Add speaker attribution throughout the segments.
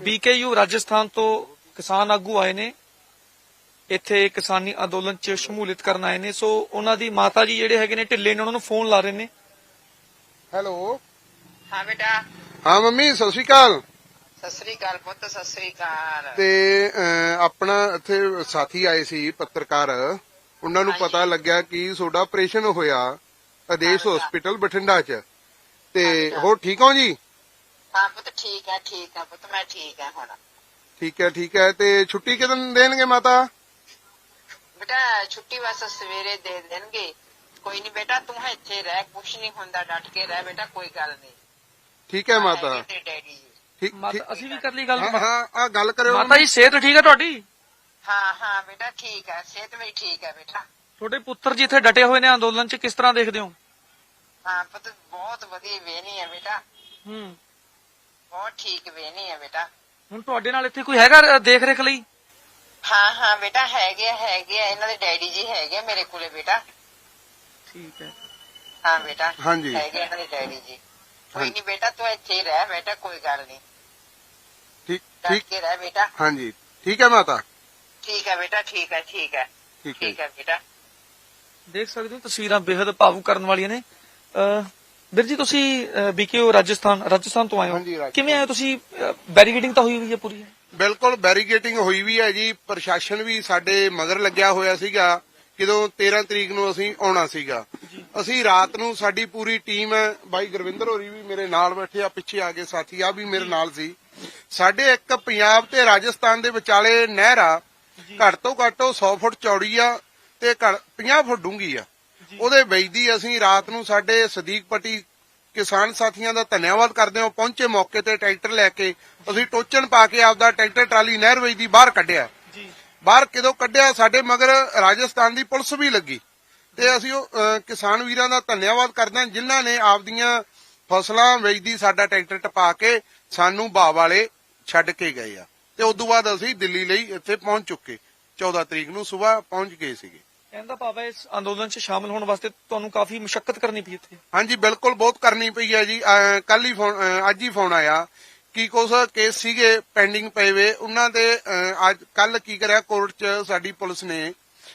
Speaker 1: BKU Rajasthan ਤੋਂ ਕਿਸਾਨ ਆਗੂ ਆਏ ਨੇ, ਇੱਥੇ ਕਿਸਾਨੀ ਅੰਦੋਲਨ 'ਚ ਸ਼ਮੂਲੀਅਤ ਕਰਨ ਆਏ ਨੇ। ਸੋ ਉਹਨਾਂ ਦੀ ਮਾਤਾ ਜੀ ਜਿਹੜੇ ਹੈਗੇ ਨੇ ਢਿੱਲੇ ਨੇ, ਉਹਨਾਂ ਨੂੰ ਫੋਨ ਲਾ ਰਹੇ ਨੇ।
Speaker 2: ਹੈਲੋ।
Speaker 3: ਹਾਂ ਬੇਟਾ।
Speaker 2: ਹਾਂ ਮੰਮੀ, ਸਤਿ ਸ਼੍ਰੀ ਅਕਾਲ।
Speaker 3: ਸਤਿ ਸ੍ਰੀ ਅਕਾਲ ਪੁੱਤ, ਸਤਿ ਸ੍ਰੀ ਅਕਾਲ।
Speaker 2: ਤੇ ਆਪਣਾ ਇੱਥੇ ਸਾਥੀ ਆਏ ਸੀ ਪੱਤਰਕਾਰ, ਉਹਨਾਂ ਨੂੰ ਪਤਾ ਲੱਗਿਆ ਕਿ ਤੁਹਾਡਾ ਆਪਰੇਸ਼ਨ ਹੋਇਆ ਆਦੇਸ਼ ਹਸਪੀਟਲ ਬਠਿੰਡਾ 'ਚ, ਤੇ ਹੋਰ ਠੀਕ ਹੋ ਜੀ?
Speaker 3: ਹਾਂ ਪੁੱਤ ਠੀਕ ਹੈ, ਠੀਕ ਹੈ ਪੁੱਤ, ਮੈਂ ਠੀਕ ਹੈ ਹੁਣ।
Speaker 2: ਠੀਕ ਹੈ, ਠੀਕ ਹੈ। ਤੇ ਛੁੱਟੀ ਕਿਦੋਂ ਦੇਣਗੇ ਮਾਤਾ?
Speaker 3: ਬੇਟਾ ਛੁੱਟੀ ਬਸ ਸਵੇਰੇ ਦੇ ਦੇਣਗੇ। ਕੋਈ ਨਹੀਂ ਬੇਟਾ, ਤੂੰ ਇੱਥੇ ਰਹਿ, ਕੁਛ ਨਹੀਂ ਹੁੰਦਾ, ਡਟ ਕੇ ਰਹਿ ਬੇਟਾ, ਕੋਈ ਗੱਲ ਨਹੀਂ।
Speaker 2: ਠੀਕ ਹੈ ਮਾਤਾ।
Speaker 3: ਤੇ ਡੈਡੀ ਜੀ
Speaker 1: ਅਸੀਂ ਵੀ ਕਰ ਲਈ ਗੱਲ।
Speaker 2: ਹਾਂ ਆ ਗੱਲ ਕਰਿਓ
Speaker 1: ਮਾਤਾ ਜੀ, ਸਿਹਤ ਠੀਕ ਹੈ ਤੁਹਾਡੀ?
Speaker 3: ਹਾਂ ਹਾਂ ਬੇਟਾ ਠੀਕ ਹੈ, ਸਿਹਤ ਮੇਰੀ ਠੀਕ ਹੈ ਬੇਟਾ।
Speaker 1: ਤੁਹਾਡੇ ਪੁੱਤਰ ਜੀ ਇੱਥੇ ਡਟੇ ਹੋਏ ਨੇ ਅੰਦੋਲਨ 'ਚ, ਕਿਸ ਤਰ੍ਹਾਂ ਦੇਖਦੇ ਹੋ?
Speaker 3: ਹਾਂ ਪੁੱਤ ਬਹੁਤ ਵਧੀਆ ਵੇਹਨੀ ਹੈ ਬੇਟਾ, ਬਹੁਤ ਠੀਕ ਵੇਹਨੀ ਹੈ ਬੇਟਾ।
Speaker 1: ਹੁਣ ਤੁਹਾਡੇ ਨਾਲ ਇੱਥੇ ਕੋਈ ਹੈਗਾ ਦੇਖ ਰੇਖ ਲਈ?
Speaker 3: ਹਾਂ ਹਾਂ ਬੇਟਾ ਹੈਗੇ ਇਹਨਾਂ ਦੇ ਡੈਡੀ ਜੀ ਹੈਗੇ ਮੇਰੇ ਕੋਲੇ ਬੇਟਾ।
Speaker 1: ਠੀਕ ਹੈ।
Speaker 3: ਹਾਂ ਬੇਟਾ
Speaker 2: ਹਾਂਜੀ
Speaker 3: ਹੈਗੇ ਇਹਨਾਂ ਦੇ ਡੈਡੀ ਜੀ। ਕੋਈ ਨਹੀਂ ਬੇਟਾ, ਤੂੰ ਇੱਥੇ ਹੀ ਰਹਿ ਬੇਟਾ, ਕੋਈ ਗੱਲ ਨਹੀਂ,
Speaker 2: ਠੀਕ
Speaker 3: ਡਟ
Speaker 2: ਠੀਕ।
Speaker 3: ਕੇ ਰਹਿ ਬੇਟਾ।
Speaker 2: ਹਾਂਜੀ ਠੀਕ ਹੈ ਮਾਤਾ।
Speaker 3: ਠੀਕ ਹੈ ਬੇਟਾ, ਠੀਕ ਹੈ, ਠੀਕ ਹੈ, ਠੀਕ ਹੈ ਬੇਟਾ।
Speaker 1: ਦੇਖ ਸਕਦੇ ਹੋ ਤਸਵੀਰਾਂ ਬੇहद ਭਾਵੁਕ ਕਰਨ ਵਾਲੀਆਂ ਨੇ। ਵੀਰ ਜੀ, ਤੁਸੀਂ ਬੀਕੇਯੂ ਰਾਜਸਥਾਨ ਤੋਂ ਆਏ ਹੋ, ਕਿਵੇਂ ਆਏ ਤੁਸੀਂ? ਬੈਰੀਕੇਡਿੰਗ ਤਾਂ ਹੋਈ ਹੋਈ ਹੈ ਪੂਰੀ?
Speaker 2: ਬਿਲਕੁਲ ਬੈਰੀਕੇਡਿੰਗ ਹੋਈ ਵੀ ਹੈ ਜੀ, ਪ੍ਰਸ਼ਾਸਨ ਵੀ ਸਾਡੇ ਮਗਰ ਲੱਗਿਆ ਹੋਇਆ ਸੀਗਾ। ਜਦੋਂ 13 ਤਰੀਕ ਨੂੰ ਅਸੀਂ ਆਉਣਾ ਸੀਗਾ, ਅਸੀਂ ਰਾਤ ਨੂੰ ਸਾਡੀ ਪੂਰੀ ਟੀਮ ਹੈ, ਬਾਈ ਗੁਰਵਿੰਦਰ ਹੋਰੀ ਵੀ ਮੇਰੇ ਨਾਲ ਬੈਠੇ ਆ, ਪਿੱਛੇ ਆ ਕੇ ਸਾਥੀ ਆ ਵੀ ਮੇਰੇ ਨਾਲ ਸੀ। ਸਾਡੇ ਇੱਕ ਪੰਜਾਬ ਤੇ ਰਾਜਸਥਾਨ ਦੇ ਵਿਚਾਲੇ ਨਹਿਰ ਆ, ਘੱਟ ਤੋਂ ਘੱਟ 100 ਫੁੱਟ ਚੌੜੀ ਆ ਤੇ 50 ਫੁੱਟ ਡੂੰਘੀ ਆ। ਉਹਦੇ ਵੇਚਦੀ ਅਸੀਂ ਰਾਤ ਨੂੰ ਸਾਡੇ ਸਦੀਕ ਪੱਟੀ ਕਿਸਾਨ ਸਾਥੀਆਂ ਦਾ ਧੰਨਵਾਦ ਕਰਦੇ ਹਾਂ, ਪਹੁੰਚੇ ਮੌਕੇ ਤੇ ਟਰੈਕਟਰ ਲੈ ਕੇ, ਅਸੀਂ ਟੋਚਨ ਪਾ ਕੇ ਆਪਦਾ ਟਰੈਕਟਰ ਟਰਾਲੀ ਨਹਿਰ ਵੇਚਦੀ ਬਾਹਰ ਕੱਢਿਆ। ਬਾਹਰ ਕਿਦੋਂ ਕੱਢਿਆ, ਸਾਡੇ ਮਗਰ ਰਾਜਸਥਾਨ ਦੀ ਪੁਲਿਸ ਵੀ ਲੱਗੀ, ਤੇ ਅਸੀਂ ਉਹ ਕਿਸਾਨ ਵੀਰਾਂ ਦਾ ਧੰਨਵਾਦ ਕਰਦੇ ਹਾਂ ਜਿਨ੍ਹਾਂ ਨੇ ਆਪਦੀਆਂ ਫਸਲਾਂ ਵੇਚਦੀ ਸਾਡਾ ਟਰੈਕਟਰ ਟਪਾ ਕੇ ਸਾਨੂੰ ਬਾਹ ਵਾਲੇ ਛੱਡ ਕੇ ਗਏ ਆ। ਤੇ ਉਦੋਂ ਬਾਅਦ ਅਸੀਂ ਦਿੱਲੀ ਲਈ ਇੱਥੇ ਪਹੁੰਚ ਚੁੱਕੇ, 14 ਤਰੀਕ ਨੂੰ ਸਵੇਰ ਪਹੁੰਚ ਗਏ ਸੀਗੇ।
Speaker 1: ਕਹਿੰਦਾ ਭਾਵ ਹੈ ਇਸ ਅੰਦੋਲਨ 'ਚ ਸ਼ਾਮਲ ਹੋਣ ਵਾਸਤੇ ਤੁਹਾਨੂੰ ਕਾਫੀ ਮੁਸ਼ਕਲ ਕਰਨੀ ਪਈ ਇੱਥੇ?
Speaker 2: ਹਾਂਜੀ ਬਿਲਕੁਲ, ਬਹੁਤ ਕਰਨੀ ਪਈ ਹੈ ਜੀ। ਕੱਲ ਹੀ ਅੱਜ ਹੀ ਫੋਨ ਆਇਆ ਕਿ ਕੁਝ ਕੇਸ ਸੀਗੇ ਪੈਂਡਿੰਗ ਪਏ ਵੇ, ਉਹਨਾਂ ਦੇ ਅੱਜ ਕੱਲ ਕੀ ਕਰਿਆ, ਕੋਰਟ 'ਚ ਸਾਡੀ ਪੁਲਿਸ ਨੇ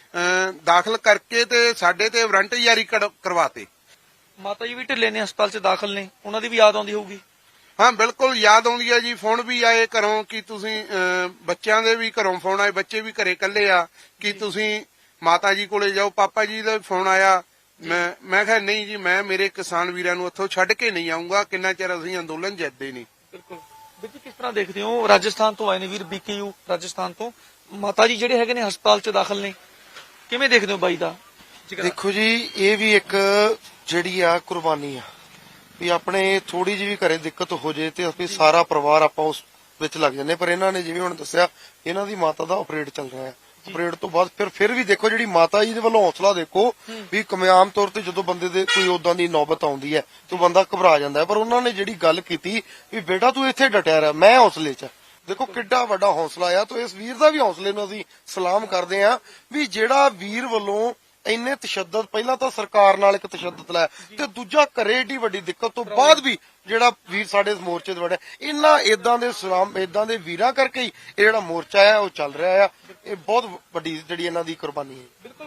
Speaker 2: ਦਾਖਲ ਕਰਕੇ ਤੇ ਸਾਡੇ ਤੇ ਵਾਰੰਟ ਜਾਰੀ ਕਰਵਾਤੇ।
Speaker 1: ਮਾਤਾ ਜੀ ਵੀ ਢਿੱਲੇ ਨੇ, ਹਸਪਤਾਲ 'ਚ ਦਾਖਲ ਨੇ, ਉਹਨਾਂ ਦੀ ਵੀ ਯਾਦ ਆਉਂਦੀ ਹੋਊਗੀ?
Speaker 2: ਹਾਂ ਬਿਲਕੁਲ ਯਾਦ ਆਉਂਦੀ ਹੈ ਜੀ, ਫੋਨ ਵੀ ਆਏ ਘਰੋਂ ਕਿ ਤੁਸੀਂ, ਬੱਚਿਆਂ ਦੇ ਵੀ ਘਰੋਂ ਫੋਨ ਆਏ, ਬੱਚੇ ਵੀ ਘਰੇ ਇਕੱਲੇ ਆ ਕਿ ਤੁਸੀਂ ਮਾਤਾ ਜੀ ਕੋਲੇ ਜਾਓ। ਪਾਪਾ ਜੀ ਦਾ ਫੋਨ ਆਇਆ, ਮੈਂ ਕਿਹਾ ਨਹੀਂ ਜੀ, ਮੈਂ ਮੇਰੇ ਕਿਸਾਨ ਵੀਰਾਂ ਨੂੰ ਇੱਥੋਂ ਛੱਡ ਕੇ ਨਹੀਂ ਆਉਂਗਾ, ਕਿੰਨਾ ਚਿਰ ਅਸੀਂ ਅੰਦੋਲਨ ਜਿੱਤਦੇ ਨਹੀਂ।
Speaker 1: ਬਿਲਕੁਲ ਵੀਰ ਜੀ, ਕਿਸ ਤਰ੍ਹਾਂ ਦੇਖਦੇ ਹੋ? ਰਾਜਸਥਾਨ ਤੋਂ ਆਏ ਨੇ ਵੀਰ, ਬੀਕੇਯੂ ਰਾਜਸਥਾਨ ਤੋਂ, ਮਾਤਾ ਜੀ ਜਿਹੜੇ ਹੈਗੇ ਨੇ ਹਸਪਤਾਲ 'ਚ ਦਾਖਲ ਨੇ, ਕਿਵੇਂ ਦੇਖਦੇ ਹੋ ਬਾਈ ਦਾ?
Speaker 4: ਦੇਖੋ ਜੀ, ਇਹ ਵੀ ਇੱਕ ਜਿਹੜੀ ਆ ਕੁਰਬਾਨੀ ਆ, ਵੀ ਆਪਣੇ ਥੋੜੀ ਜਿਹੀ ਵੀ ਘਰੇ ਦਿੱਕਤ ਹੋ ਜੇ ਤੇ ਅਸੀਂ ਸਾਰਾ ਪਰਿਵਾਰ ਆਪਾਂ ਉਸ ਵਿੱਚ ਲੱਗ ਜਾਂਦੇ। ਪਰ ਇਹਨਾਂ ਨੇ ਜਿਵੇਂ ਹੁਣ ਦੱਸਿਆ, ਇਹਨਾਂ ਦੀ ਮਾਤਾ ਦਾ ਆਪਰੇਟ ਚੱਲ ਰਿਹਾ ਹੈ, ਆਪਰੇਟ ਤੋਂ ਬਾਅਦ ਫਿਰ ਵੀ ਦੇਖੋ ਜਿਹੜੀ ਮਾਤਾ ਜੀ ਦੇ ਵੱਲੋਂ ਹੌਸਲਾ ਦੇਖੋ, ਵੀ ਕਾਮਯਾਬ ਤੌਰ ਤੇ ਜਦੋਂ ਬੰਦੇ ਦੇ ਕੋਈ ਉਦਾਂ ਦੀ ਨੌਬਤ ਆਉਂਦੀ ਹੈ ਤਾਂ ਬੰਦਾ ਘਬਰਾ ਜਾਂਦਾ ਹੈ, ਪਰ ਉਹਨਾਂ ਨੇ ਜਿਹੜੀ ਗੱਲ ਕੀਤੀ ਵੀ ਬੇਟਾ ਤੂੰ ਇੱਥੇ ਡਟਿਆ ਰਹਿ, ਮੈਂ ਹੌਸਲੇ 'ਚ। ਦੇਖੋ ਕਿੱਡਾ ਵੱਡਾ ਹੌਸਲਾ ਆ, ਤੇ ਇਸ ਵੀਰ ਦਾ ਵੀ ਹੌਸਲੇ ਨੂੰ ਅਸੀਂ ਸਲਾਮ ਕਰਦੇ ਹਾਂ, ਵੀ ਜਿਹੜਾ ਵੀਰ ਵੱਲੋਂ ਇੰਨੇ ਤਸ਼ੱਦਦ, ਪਹਿਲਾਂ ਤਾਂ ਸਰਕਾਰ ਨਾਲ ਇੱਕ ਤਸ਼ੱਦਦ ਲਾਇਆ, ਤੇ ਦੂਜਾ ਘਰੇ ਏਡੀ ਵੱਡੀ ਦਿੱਕਤ ਤੋਂ ਬਾਅਦ ਵੀ ਜਿਹੜਾ ਵੀਰ ਸਾਡੇ ਇਸ ਮੋਰਚੇ ਤੇ ਵੜਿਆ, ਇਹਨਾਂ ਏਦਾਂ ਦੇ ਵੀਰਾਂ ਕਰਕੇ ਹੀ ਇਹ ਜਿਹੜਾ ਮੋਰਚਾ ਆ ਉਹ ਚੱਲ ਰਿਹਾ ਆ। ਇਹ ਬਹੁਤ ਵੱਡੀ ਜਿਹੜੀ ਇਹਨਾਂ ਦੀ ਕੁਰਬਾਨੀ ਹੈ।
Speaker 1: ਬਿਲਕੁਲ।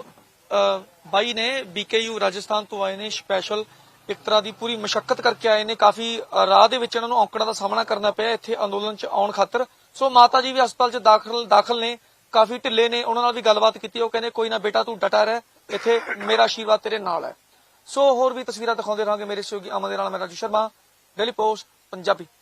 Speaker 1: ਸੋ ਬਾਈ ਨੇ ਬੀਕੇਯੂ ਰਾਜਸਥਾਨ ਤੋਂ ਆਏ ਨੇ, ਸਪੈਸ਼ਲ ਇੱਕ ਤਰ੍ਹਾਂ ਦੀ ਪੂਰੀ ਮੁਸ਼ੱਕਤ ਕਰਕੇ ਆਏ ਨੇ, ਕਾਫੀ ਰਾਹ ਦੇ ਵਿੱਚ ਇਹਨਾਂ ਨੂੰ ਔਕੜਾਂ ਦਾ ਸਾਹਮਣਾ ਕਰਨਾ ਪਿਆ ਇੱਥੇ ਅੰਦੋਲਨ 'ਚ ਆਉਣ ਖਾਤਰ। ਸੋ ਮਾਤਾ ਜੀ ਵੀ ਹਸਪਤਾਲ 'ਚ ਦਾਖਲ ਨੇ, ਕਾਫੀ ਢਿੱਲੇ ਨੇ, ਉਹਨਾਂ ਨਾਲ ਵੀ ਗੱਲਬਾਤ ਕੀਤੀ, ਉਹ ਕਹਿੰਦੇ ਕੋਈ ਨਾ ਬੇਟਾ ਤੂੰ ਡਟਾ ਰਹਿ, ਇੱਥੇ ਮੇਰਾ ਆਸ਼ੀਰਵਾਦ ਤੇਰੇ ਨਾਲ ਹੈ। ਸੋ ਹੋਰ ਵੀ ਤਸਵੀਰਾਂ ਦਿਖਾਉਂਦੇ ਰਹਾਂਗੇ ਮੇਰੇ ਸਹਿਯੋਗੀ ਅਮਨ ਦੇ ਨਾਲ। ਮੈਂ ਰਾਜੂ ਸ਼ਰਮਾ, ਡੇਲੀ ਪੋਸਟ ਪੰਜਾਬੀ।